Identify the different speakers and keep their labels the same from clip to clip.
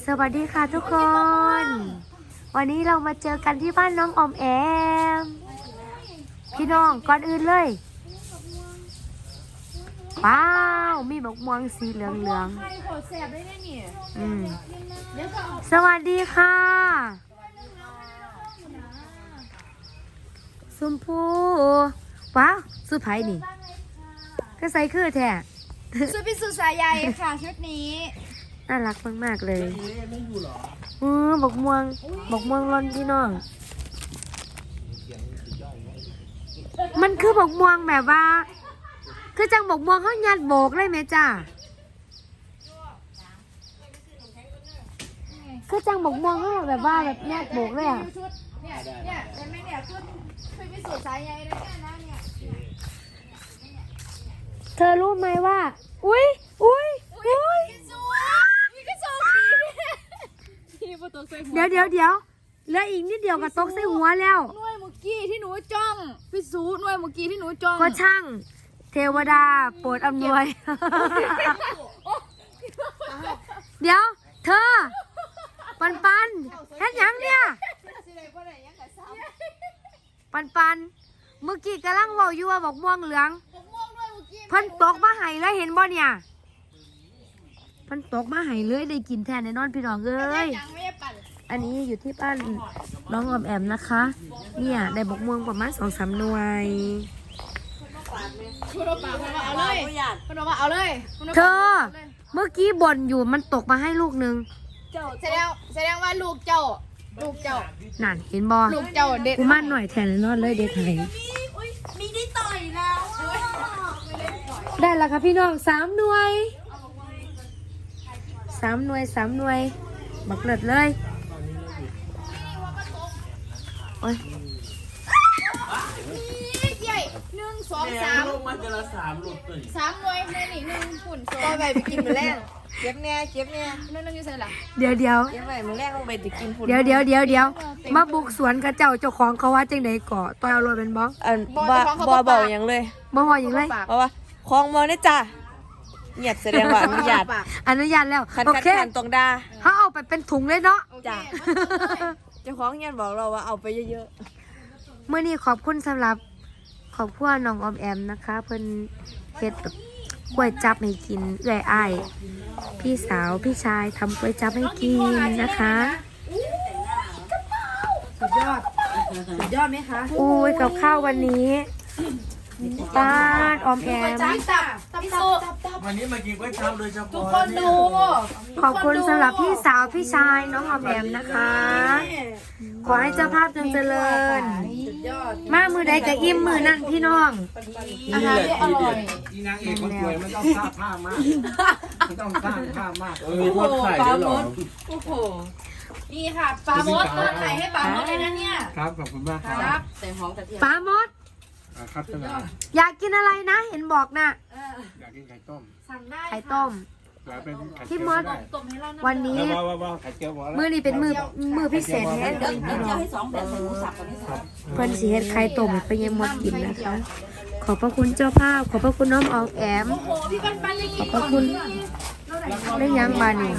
Speaker 1: สวัสดีค่ะทุกคน วันนี้เรามาเจอกันที่บ้านน้องออมแอมพี่น้องก่อนอื่นเลยว้าวมีบักม่วงสีเหลืองสวัสดีค่ะชมพูว้าวสุดไผ่นี่ก็ใส่คือแท้
Speaker 2: ชุดพิสุสายใยค่ะชุดนี้
Speaker 1: น่ารักมากๆเลยบักม่วงร้อนพี่น้องมันคือบักม่วงแบบว่าคือจังบักม่วงเขายัดโบกเลยไหมจ้าคือจังบักม่วงเขาแบบว่าแบบยัดโบกเลยอ่ะ
Speaker 2: เนี่ยเห็นไหมเนี่ยชุดพิสุสายใยเลยเนี่ย
Speaker 1: เธอรู้ไหมว่าอุ้ยเดี๋ยวเหลืออีกนิดเดียวกับตกใส่หัวแล้ว
Speaker 2: หน่วยเมื่อกี้ที่หนูจ้องพี่สูหน่วยเมื่อกี้ที่หนูจ้อง
Speaker 1: ก็ช่างเทวดาโปรดอำนวยเดี๋ยวเธอปันเห็นยังเนี่ยปันเมื่อกี้กำลังบอกอยู่ว่าบอกม่วงเหลืองพันตกมาไห้แล้วเห็นบ่เนี่ยพันตกมาไห้เลยได้กินแทนในนอนพี่น้องเอ้ยอันนี้อยู่ที่บ้านน้องออมแอมนะคะเนี่ยได้บอกม่วงประมาณ2-3 หน่วยเธอเมื่อกี้บ่นอยู่มันตกมาให้ลูกนึง
Speaker 2: แสดงว่าลูกเจ้า
Speaker 1: นั่นเห็นบอ
Speaker 2: ลูกเจ้าเด็ด
Speaker 1: กูมั่นหน่อยแทนนอนเลยเด็ดไทย
Speaker 2: มีได้ต่อยแล้ว
Speaker 1: ได้แล้วค่ะพี่น้อง3 หน่วยบักเลิศเลยโอ้ย
Speaker 2: ใหญ่1 2 3
Speaker 3: มันจะละ3 หลุดเลย
Speaker 2: 3 หน่วยในนี่1ฝุ่นโซ่
Speaker 4: ไปกินมื้อแรกเก็บเนี่ย
Speaker 2: นึงอยู่ใส่ละ
Speaker 1: เดี๋ยว
Speaker 4: เก็บไว้มื้อแรกต้องไปกินฝุ่น
Speaker 1: เดี๋ยวมาบุกสวนกับเจ้าของเขาว่าจังได๋ก่อต่อยเอารถเป็นบ่
Speaker 4: บ่เบาอย่างเลย
Speaker 1: บ่ฮออย่างไร
Speaker 4: เพราะว่าคลองมองได้จ้ะเงียบแสดงว่าอนุญาต
Speaker 1: แล้ว
Speaker 4: โอเคตรงดา
Speaker 1: เฮาเอาไปเป็นถุงเลยเนาะ
Speaker 4: จ้ะเจ้าของเงียบบอกเราว่าเอาไปเยอะ
Speaker 1: ๆมื้อนี้ขอบคุณสำหรับครอบครัวน้องออมแอมนะคะเพิ่นเฮ็ดแบบกล้วยจับให้กินเอื้อยอ้ายพี่สาวพี่ชายทำกล้วยจับให้กินนะคะ
Speaker 4: สุดยอดไหมคะ
Speaker 1: อุ้ยกับข้าววันนี้บ้านออมแอม
Speaker 3: วันนี้มากินก๋วยจั๊บโดยเฉพาะ
Speaker 2: ทุกคนดู
Speaker 1: ขอบคุณสำหรับพี่สาวพี่ชายน้องออมแอมนะคะขอให้เจ้าภาพจงเจริญมามือใดกับอิ่มมือนั่นพี่น้อง
Speaker 3: อาหารอร่อยที่นางเอกคนสวยมันต้องสร้างภาพมากมีทอดไข่ด้วยหรอ
Speaker 2: โอ้โหนี่ค่ะปลามดทอดไข่ให้ปลามดเลยนะเนี่ย
Speaker 3: ครับขอบคุณมากครับ
Speaker 4: แต่หอมกระเทียม
Speaker 1: ปลามด
Speaker 3: ครับท่าน
Speaker 1: อยากกินอะไรนะเห็นบอกนะ
Speaker 3: อยากกินไข่ต้ม
Speaker 1: ไข่ต้มพี่มดวันนี้มือนี้เป็นมือพิเศษแท้เลยพี่น้องเพิ่นสิเฮ็ดไข่ต้มไปยังมดกินนะคะขอบพระคุณเจ้าภาพขอบพระคุณน้องออมแอมขอบพระคุณได้ยังบานี่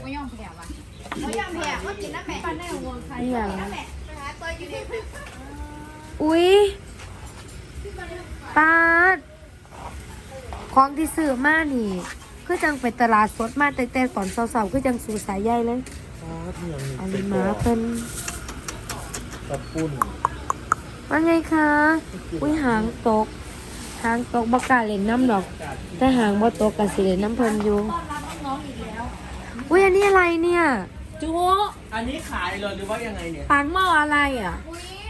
Speaker 1: อุ้ยปาดของที่ซื้อมานี่คือจังไปตลาดสดมาแต่ตอนเช้าๆคือจังสู่สายใยเลยอันนี้มาเพิ่น
Speaker 3: กระปุ้น
Speaker 1: ว่าไงคะอุ้ยหางตกบ่กล้าเล่นน้ำดอกแต่หางบ่ตกก็สิเล่นน้ำเพิ่นอยู่อุ้ยอันนี้อะไรเนี่ย
Speaker 4: จู
Speaker 3: อันนี้ขายเลยหรือว่ายังไงเนี่ย
Speaker 1: ปากหม้ออะไรอ่ะ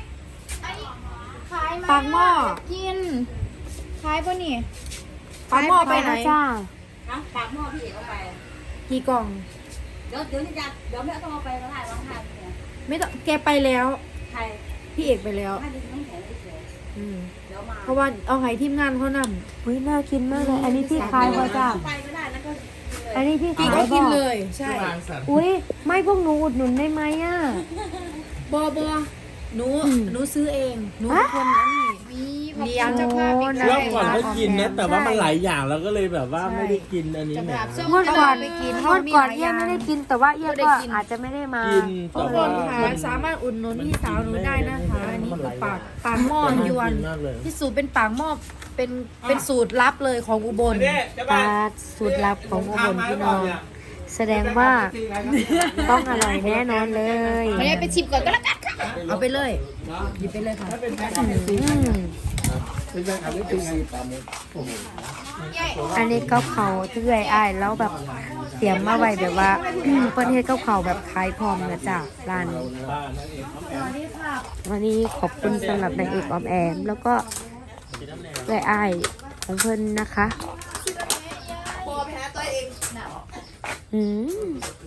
Speaker 2: ปากหม้อกินขายป่ะนี่
Speaker 1: ปากหม้อไปไหนจ้า
Speaker 4: ปากหม้อพี่เอกเอาไป
Speaker 1: กี่กล่อง
Speaker 4: เดี๋ยวนี่จะเดี๋ยวแม่ต้องเอาไปแล้วได้ร้องไห้
Speaker 1: ไม่ต้องแกไปแล้ว
Speaker 4: ใคร
Speaker 1: พี่เอกไปแล้วเพราะว่าเอาไห้ทีมงานเขานำอุ้ยน่ากินมากเลยอันนี้ที่ขายป่ะจ้าอันนี้ที่ขาย
Speaker 4: ก็กินเลยใช่
Speaker 1: อุ้ยไม่พวกหนูอุดหนุนได้ไหมอ่ะ
Speaker 4: บอหนูซื้อเองหนูเป็นคนนั้นนี่
Speaker 2: เลี้ยงจะพาไป
Speaker 1: โอ้
Speaker 5: รอบก่อนก็กินนะแต่ว่ามันหลายอย่างแล้วก็เลยแบบว่าไม่ได้กินอันนี้เนี่ย
Speaker 1: งวดก่อนเอี้ยไม่ได้กินแต่ว่าเอี้ยก็อาจจะไม่ได้มา
Speaker 5: กิน
Speaker 2: ทุ
Speaker 5: แต่
Speaker 2: กค
Speaker 5: ว่าน
Speaker 2: ค่ะสามารถอุดหนุนพี่สาวหนูได้นะคะอันนี้คือปากหม้อยวน
Speaker 5: มากเลย
Speaker 2: พี่สูตรเป็นปากหม้อเป็นสูตรลับเลยของอุบล
Speaker 1: ปลาสูตรลับของอุบลพี่น้องแสดงว่าต้องอร่อยแน่นอนเลย
Speaker 2: ไม่ได้ไปชิมก่อนก็แล้วกันค่ะเอาไปเลยหยิบไปเลยค่ะ
Speaker 1: อืมอันนี้ก็เขาที่เอื่อยอ้ายแล้วแบบเตรียมมาไว้แบบว่า เพิ่นเฮ็ดกับเขาวแบบขายพร้อมนะจ๊ะร้านวันนี้ขอบคุณสำหรับนางเอกออมแอมแล้วก็เอื่อยอ้ายของเพิ่นนะคะอืม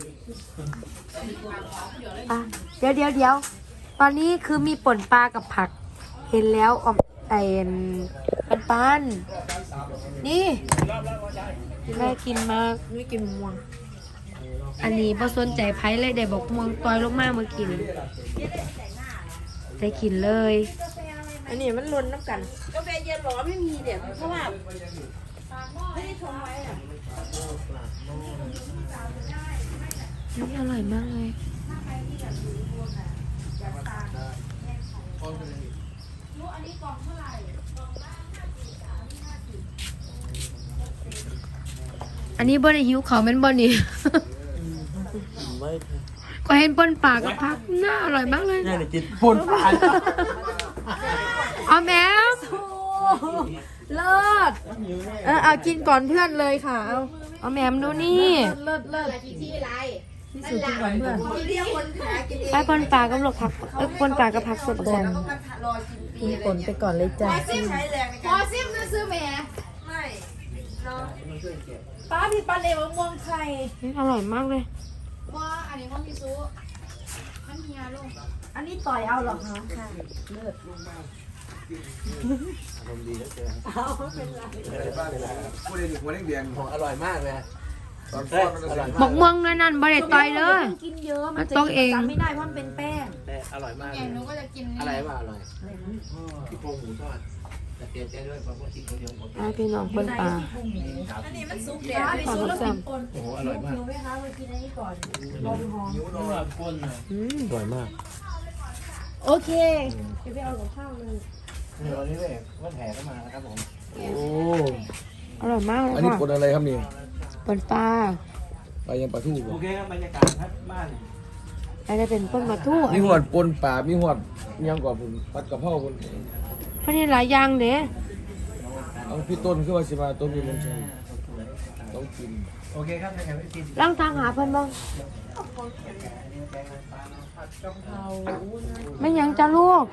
Speaker 1: อ่ะเดี๋ยวตอนนี้คือมีป่นปลากับผัก เห็นแล้วออมปันนี่แม่กินมากไม่กินม่วง อันนี้พอสนใจไผ่เลยได้บอกม่วงต่อยลงมาเมื่อกี้นี่ได้กินเลย
Speaker 4: อันนี้มันล้นน้ำกันกาแฟเย็นหรอไม่มีเดี๋ยวเพราะว่าไม่ได้ชงไว้อ่ะ
Speaker 1: นี่อร่อยมากเลยอันนี้บ่ได้หิวเขาวแม่นบ่นี่
Speaker 5: ไม่
Speaker 1: ก็เห็นป่นปลากับผักน่าอร่อยมากเลย
Speaker 5: น่าจะกินปุ่นปลา
Speaker 1: เอาแมว
Speaker 2: เลิศเอากินก่อนเพื่อนเลยค่ะเอา
Speaker 1: เอาแมวดูนี่
Speaker 2: เลิศพี่สูตรกินก่อนเพื่อน
Speaker 1: ไอ้ป่นปลากับลูกผักป่นปลากับผักสดก่อน
Speaker 2: กินก่อนไปก่อนเลยจ้ะ
Speaker 6: พอซิมซื้อแม่
Speaker 2: ป้าพี่ปลาเลวม่วงไข่
Speaker 1: อร่อยมากเลย
Speaker 6: ว่าอันนี้ว่าพี่ซูมันเฮียลูก
Speaker 2: อันนี้ต่อยเอาหรอคะค่ะ
Speaker 3: พูดเลยหัวเลี้ยงของอร่อยมากเลยตอนทอดมันอร่อย
Speaker 1: หมกม่วงนั่นบ่ได้ต่อยเลย
Speaker 2: กินเยอะมันจะ
Speaker 1: ต้องเอง
Speaker 2: จำไม่ได้เพราะมันเป็นแป้ง
Speaker 3: อร่อยมาก
Speaker 6: ไงหนูก็จะกินนี่
Speaker 3: อะไรวะอร่อยที่โครงหมูทอดแต่เปลี่ยนใจด้วยเพราะว่าที่คนเดียวหมด
Speaker 1: ไอ้พี่น้องป่นปลา
Speaker 2: อันนี้มันซุปเดี๋ยวไปซุปแล้วกินปน
Speaker 3: โอ้โหอร่อยมาก
Speaker 2: หิวไหมคะมากินอันนี้ก่อนลมหอม
Speaker 3: นิ้วน้อยก้นนะ
Speaker 5: อร่อยมาก
Speaker 2: โอเคเดี๋ยวไปเอากับข้าวเลย
Speaker 3: วันนี้เลยว่าแผลก็มานะครับผม
Speaker 5: โอ้
Speaker 1: อร่อยมากเลย
Speaker 7: อันนี้
Speaker 1: ค่ะ
Speaker 7: ปนอะไรครับนี่
Speaker 1: ป่นปลา
Speaker 7: ปลายังปลาทู่
Speaker 3: โอเคครับบรรยากาศครับบ้าน
Speaker 1: อันนี้เป็นป่นปลาทู่
Speaker 7: มีหวดปนปลามีหวดมียังกว่าผมผัดกะเพราคน
Speaker 1: เพราะนี่หลายอย่างเด้
Speaker 7: เอาพี่ต้นขึ้นมาสิมาต้นมีมันใช่ต้องกิน
Speaker 3: โอเคครับนะครับพี่
Speaker 1: ร่างทางหาเพิ่นบ้างไม่ยังจะลูก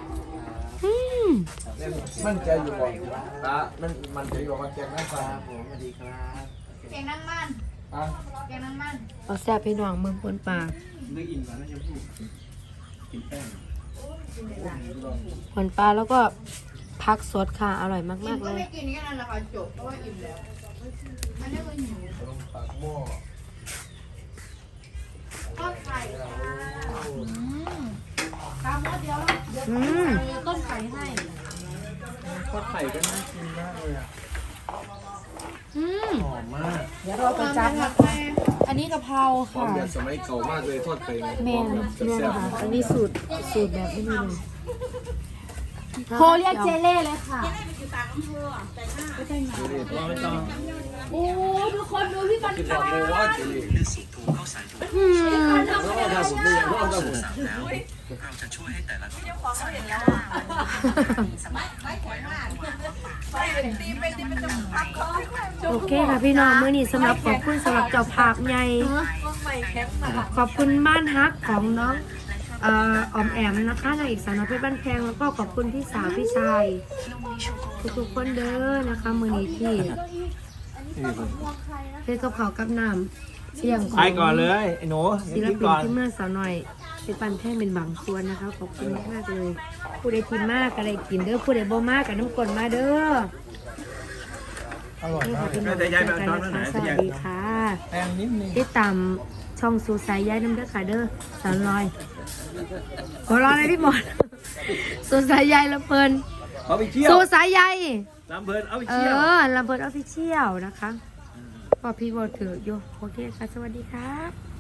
Speaker 7: มั่นใจอยู่ก่อนปลามันใจอยู่ว่าแกงน้ำปลา
Speaker 3: ผมสวัสดีครับ
Speaker 6: แกงนั่งมัน
Speaker 7: อ่ะ
Speaker 6: แกงนั่งมัน
Speaker 1: เอาแซ่บพี่น้องเมืองป่นปลา
Speaker 3: นึกอินก่อนนะชมพู่กินแป้ง
Speaker 1: ป่นปลาแล้วก็ผักสดค่ะ อร่อยมากๆเล
Speaker 6: ก็
Speaker 1: ย
Speaker 6: ไม่กินแค่นั้นแหละค่ะจบเพราะว่าอิ่มแล้วอันนี้ก็หิว
Speaker 7: ปากหม้อ
Speaker 6: ทอดไข่ตามรสเดียวเดี๋ยว
Speaker 1: อืม
Speaker 6: ต้มไข่ให้
Speaker 3: ทอดไข่ก็น่ากินมากเลยอ่ะ
Speaker 1: อืม
Speaker 3: หอมมาก
Speaker 2: เดี๋ยวเราไปจับนะอันนี้กะเพรา
Speaker 7: หอม
Speaker 2: ค่ะ
Speaker 7: แบบสมัยเก่ามากเลยทอดไข่
Speaker 1: แม่นเนี่ยนะคะอันนี้สูตรแบบไม่มีเลย
Speaker 2: โทรเรียกเจเล่เลยค่ะ
Speaker 3: เราไม่ต้อง
Speaker 2: โอ้ทุกคนดูพี่ปัน
Speaker 7: คิดว่าโอ้ว่าจะดี
Speaker 1: อืม
Speaker 7: แล้วก็ทำผมด้วยเพราะทำผม
Speaker 1: โอเคค่ะพี่น้องมื้อนี้สำหรับขอบคุณสำหรับเจ้าภาพใหญ่ขอบคุณบ้านฮักของน้องออมแอมนะคะนางเอกสาวน้อยเพชรบ้านแพงแล้วก็ขอบคุณพี่สาวพี่ชายทุกๆคนเด้อนะคะมื้อนี้ที่เฮ็ดกับข้าวกับน้ำเสี่ยงขอ
Speaker 3: ไป
Speaker 1: ง
Speaker 3: ก่อนเลยไอ้หนู
Speaker 1: ศิล
Speaker 3: กิน
Speaker 1: ปิน
Speaker 3: ก่อน
Speaker 1: ที่เมื่อสาวหน่อยเป็นปันแท่งเป็นบางส่วนนะคะขอบคุณมากๆเลยผู้ใดกินมากก็ได้กินเด้อผู้ใดบ่มากก็น้ำกลนมาเด้อ
Speaker 3: อร่อย
Speaker 1: นี่
Speaker 3: มา
Speaker 1: ค่ะ
Speaker 3: ก
Speaker 1: พี่น้อง
Speaker 3: แต่ยายแบบ
Speaker 1: กัน
Speaker 3: ตอน
Speaker 1: นะ
Speaker 3: นั้นไหน
Speaker 1: คะสวัสดีค่ะ
Speaker 3: แป้งนิดนึง
Speaker 1: ติดตามช่องสูสายยายน้ำเด้อค่ะเด้อสาวลอยหัวเร้อนเลยพี่หมอนสูสายยายละเพิ่น
Speaker 3: เอาไปเที่ยว
Speaker 1: สู่สายใย
Speaker 3: ลำเพลินเอาไป
Speaker 1: เอ
Speaker 3: เที่ยว
Speaker 1: อลำเบิดออฟฟิเชียลนะคะพอพี่บอกถืออยู่โอเคค่ะสวัสดีครับ